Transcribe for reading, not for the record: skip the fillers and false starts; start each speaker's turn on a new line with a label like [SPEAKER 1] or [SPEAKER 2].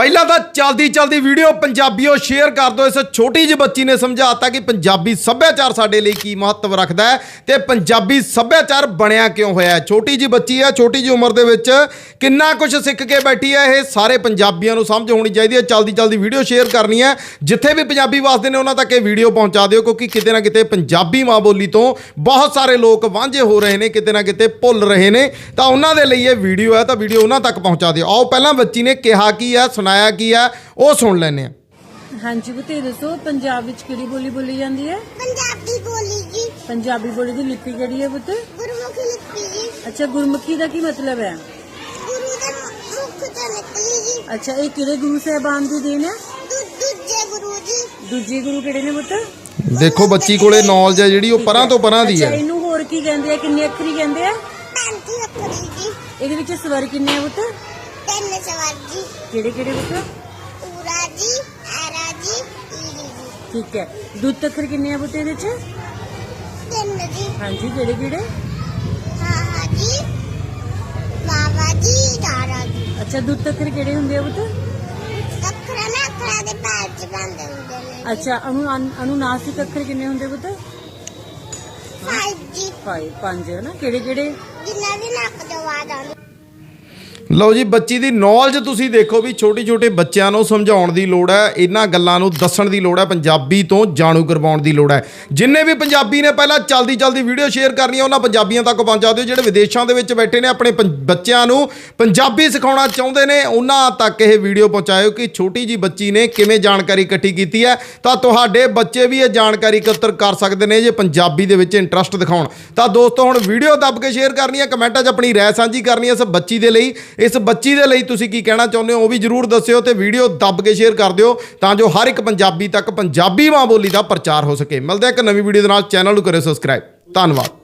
[SPEAKER 1] ਪਹਿਲਾਂ ਤਾਂ ਚਲਦੀ ਵੀਡੀਓ ਪੰਜਾਬੀਓ ਸ਼ੇਅਰ ਕਰ ਦਿਓ। ਇਸ ਛੋਟੀ ਜਿਹੀ ਬੱਚੀ ਨੇ ਸਮਝਾਤਾ ਕਿ ਪੰਜਾਬੀ ਸੱਭਿਆਚਾਰ ਸਾਡੇ ਲਈ ਕੀ ਮਹੱਤਵ ਰੱਖਦਾ ਹੈ ਤੇ ਪੰਜਾਬੀ ਸੱਭਿਆਚਾਰ ਬਣਿਆ ਕਿਉਂ ਹੋਇਆ ਹੈ। ਛੋਟੀ ਜਿਹੀ ਬੱਚੀ ਹੈ, ਛੋਟੀ ਜਿਹੀ ਉਮਰ ਦੇ ਵਿੱਚ ਕਿੰਨਾ ਕੁਝ ਸਿੱਖ ਕੇ ਬੈਠੀ ਹੈ। ਇਹ ਸਾਰੇ ਪੰਜਾਬੀਆਂ ਨੂੰ ਸਮਝ ਹੋਣੀ ਚਾਹੀਦੀ ਹੈ। ਚਲਦੀ ਵੀਡੀਓ ਸ਼ੇਅਰ ਕਰਨੀ ਹੈ। ਜਿੱਥੇ ਵੀ ਪੰਜਾਬੀ ਵਸਦੇ ਨੇ ਉਹਨਾਂ ਤੱਕ ਇਹ ਵੀਡੀਓ ਪਹੁੰਚਾ ਦਿਓ, ਕਿਉਂਕਿ ਕਿਤੇ ਨਾ ਕਿਤੇ ਪੰਜਾਬੀ ਮਾਂ ਬੋਲੀ ਤੋਂ ਬਹੁਤ ਸਾਰੇ ਲੋਕ ਵਾਂਝੇ ਹੋ ਰਹੇ ਨੇ, ਕਿਤੇ ਨਾ ਕਿਤੇ ਭੁੱਲ ਰਹੇ ਨੇ। ਤਾਂ ਉਹਨਾਂ ਦੇ ਲਈ ਇਹ ਵੀਡੀਓ ਹੈ, ਤਾਂ ਵੀਡੀਓ ਉਹਨਾਂ ਤੱਕ ਪਹੁੰਚਾ ਦਿਓ। ਆਓ ਪਹਿਲਾਂ ਬੱਚੀ ਨੇ ਕਿਹਾ ਕੀ ਹੈ, ਸੁਣਾਇਆ ਕੀ ਹੈ, ਉਹ ਸੁਣ ਲੈਂਦੇ ਆ।
[SPEAKER 2] ਹਾਂਜੀ ਬਤੇ ਦੱਸੋ, ਪੰਜਾਬ ਵਿੱਚ ਕਿਹੜੀ ਬੋਲੀ ਬੋਲੀ ਜਾਂਦੀ ਹੈ?
[SPEAKER 3] ਪੰਜਾਬੀ ਬੋਲੀ ਜੀ।
[SPEAKER 2] ਪੰਜਾਬੀ ਬੋਲੀ ਦੀ ਲਿਪੀ ਕਿਹੜੀ ਹੈ ਪੁੱਤ?
[SPEAKER 3] ਗੁਰਮੁਖੀ ਲਿਪੀ ਜੀ।
[SPEAKER 2] ਅੱਛਾ, ਗੁਰਮੁਖੀ ਦਾ ਕੀ ਮਤਲਬ ਹੈ?
[SPEAKER 3] ਗੁਰੂ ਦੇ ਮੁਖ ਤੋਂ ਨਿਕਲੀ ਜੀ।
[SPEAKER 2] ਅੱਛਾ, ਇਹ ਕਿਹੜੇ ਗੁਰੂ ਸਾਹਿਬਾਨ ਦੀ ਦੇਣ ਹੈ?
[SPEAKER 3] ਦੂਜੇ ਗੁਰੂ ਜੀ।
[SPEAKER 2] ਦੂਜੇ ਗੁਰੂ ਕਿਹੜੇ ਨੇ ਪੁੱਤ?
[SPEAKER 1] ਦੇਖੋ ਬੱਚੀ ਕੋਲੇ ਨੌਲੇਜ ਹੈ ਜਿਹੜੀ ਉਹ ਪਰਾਂ ਤੋਂ ਪਰਾਂ ਦੀ
[SPEAKER 2] ਅੱਛਾ,
[SPEAKER 1] ਹੈ।
[SPEAKER 2] ਇਹਨੂੰ ਹੋਰ ਕੀ ਕਹਿੰਦੇ ਆ? ਕਿੰਨੇ ਅੱਖਰੀ ਕਹਿੰਦੇ ਆ?
[SPEAKER 3] 35 ਅੱਖਰੀ ਜੀ।
[SPEAKER 2] ਇਹਦੇ ਵਿੱਚ ਸਵਰ ਕਿੰਨੇ ਆ ਪੁੱਤ?
[SPEAKER 3] 3 ਸਵਰ ਜੀ।
[SPEAKER 2] ਕਿਹੜੇ ਕਿਹੜੇ ਪੁੱਤ?
[SPEAKER 3] ਪੂਰਾ ਜੀ, ਆਰਾ ਜੀ, ਈਰੀ ਜੀ।
[SPEAKER 2] ਠੀਕ ਹੈ। ਦੁੱਤ ਅੱਖਰ ਕਿੰਨੇ ਆ ਪੁੱਤ ਇਹਦੇ ਵਿੱਚ?
[SPEAKER 3] 3 ਜੀ।
[SPEAKER 2] ਹਾਂਜੀ, ਕਿਹੜੇ ਕਿਹੜੇ?
[SPEAKER 3] ਹਾਂ ਜੀ, ਬਾਬਾ ਜੀ, ਦਾਰਾ ਜੀ।
[SPEAKER 2] ਅੱਛਾ, ਦੁੱਤ ਅੱਖਰ ਕਿਹੜੇ ਹੁੰਦੇ ਆ ਪੁੱਤ?
[SPEAKER 3] ਅੱਖਰਾਂ ਨਾ ਅੱਖਰਾਂ ਦੇ ਪੈਰ ਚ ਬੰਦ ਹੁੰਦੇ ਨੇ।
[SPEAKER 2] ਅੱਛਾ, ਅਨੁਨਾਸਿਕ ਅੱਖਰ ਕਿੰਨੇ ਹੁੰਦੇ ਪੁੱਤ?
[SPEAKER 3] 5 ਜੀ।
[SPEAKER 2] 5 ਹੈ ਨਾ। ਕਿਹੜੇ ਕਿਹੜੇ?
[SPEAKER 3] ਜਿੰਨਾ ਵੀ ਨੱਕ ਤੋਂ ਆਵਾਜ਼ ਆਉਂਦੀ।
[SPEAKER 1] ਲਓ ਜੀ, ਬੱਚੀ ਦੀ ਨੌਲੇਜ ਤੁਸੀਂ ਦੇਖੋ ਵੀ ਛੋਟੇ ਬੱਚਿਆਂ ਨੂੰ ਸਮਝਾਉਣ ਦੀ ਲੋੜ ਹੈ, ਇਹਨਾਂ ਗੱਲਾਂ ਨੂੰ ਦੱਸਣ ਦੀ ਲੋੜ ਹੈ, ਪੰਜਾਬੀ ਤੋਂ ਜਾਣੂ ਕਰਵਾਉਣ ਦੀ ਲੋੜ ਹੈ। ਜਿੰਨੇ ਵੀ ਪੰਜਾਬੀ ਨੇ ਪਹਿਲਾਂ ਚਲਦੀ ਵੀਡੀਓ ਸ਼ੇਅਰ ਕਰਨੀ ਹੈ ਉਹਨਾਂ ਪੰਜਾਬੀਆਂ ਤੱਕ ਪਹੁੰਚਾ ਦਿਓ। ਜਿਹੜੇ ਵਿਦੇਸ਼ਾਂ ਦੇ ਵਿੱਚ ਬੈਠੇ ਨੇ ਆਪਣੇ ਬੱਚਿਆਂ ਨੂੰ ਪੰਜਾਬੀ ਸਿਖਾਉਣਾ ਚਾਹੁੰਦੇ ਨੇ ਉਹਨਾਂ ਤੱਕ ਇਹ ਵੀਡੀਓ ਪਹੁੰਚਾਇਓ ਕਿ ਛੋਟੀ ਜੀ ਬੱਚੀ ਨੇ ਕਿਵੇਂ ਜਾਣਕਾਰੀ ਇਕੱਠੀ ਕੀਤੀ ਹੈ। ਤਾਂ ਤੁਹਾਡੇ ਬੱਚੇ ਵੀ ਇਹ ਜਾਣਕਾਰੀ ਇਕੱਤਰ ਕਰ ਸਕਦੇ ਨੇ ਜੇ ਪੰਜਾਬੀ ਦੇ ਵਿੱਚ ਇੰਟਰਸਟ ਦਿਖਾਉਣ। ਤਾਂ ਦੋਸਤੋ ਹੁਣ ਵੀਡੀਓ ਦੱਬ ਕੇ ਸ਼ੇਅਰ ਕਰਨੀ ਹੈ, ਕਮੈਂਟਾਂ 'ਚ ਆਪਣੀ ਰਾਏ ਸਾਂਝੀ ਕਰਨੀ ਹੈ। ਇਸ ਬੱਚੀ ਦੇ ਲਈ ਤੁਸੀਂ ਕੀ ਕਹਿਣਾ ਚਾਹੁੰਦੇ ਹੋ ਉਹ ਵੀ ਜਰੂਰ ਦੱਸਿਓ ਤੇ ਵੀਡੀਓ ਦੱਬ ਕੇ ਸ਼ੇਅਰ ਕਰ ਦਿਓ ਤਾਂ ਜੋ ਹਰ ਇੱਕ ਪੰਜਾਬੀ ਤੱਕ ਪੰਜਾਬੀ ਮਾਂ ਬੋਲੀ ਦਾ ਪ੍ਰਚਾਰ ਹੋ ਸਕੇ। ਮਿਲਦੇ ਹਾਂ ਇੱਕ ਨਵੀਂ ਵੀਡੀਓ ਦੇ ਨਾਲ। ਚੈਨਲ ਨੂੰ ਕਰਿਓ ਸਬਸਕ੍ਰਾਈਬ। ਧੰਨਵਾਦ।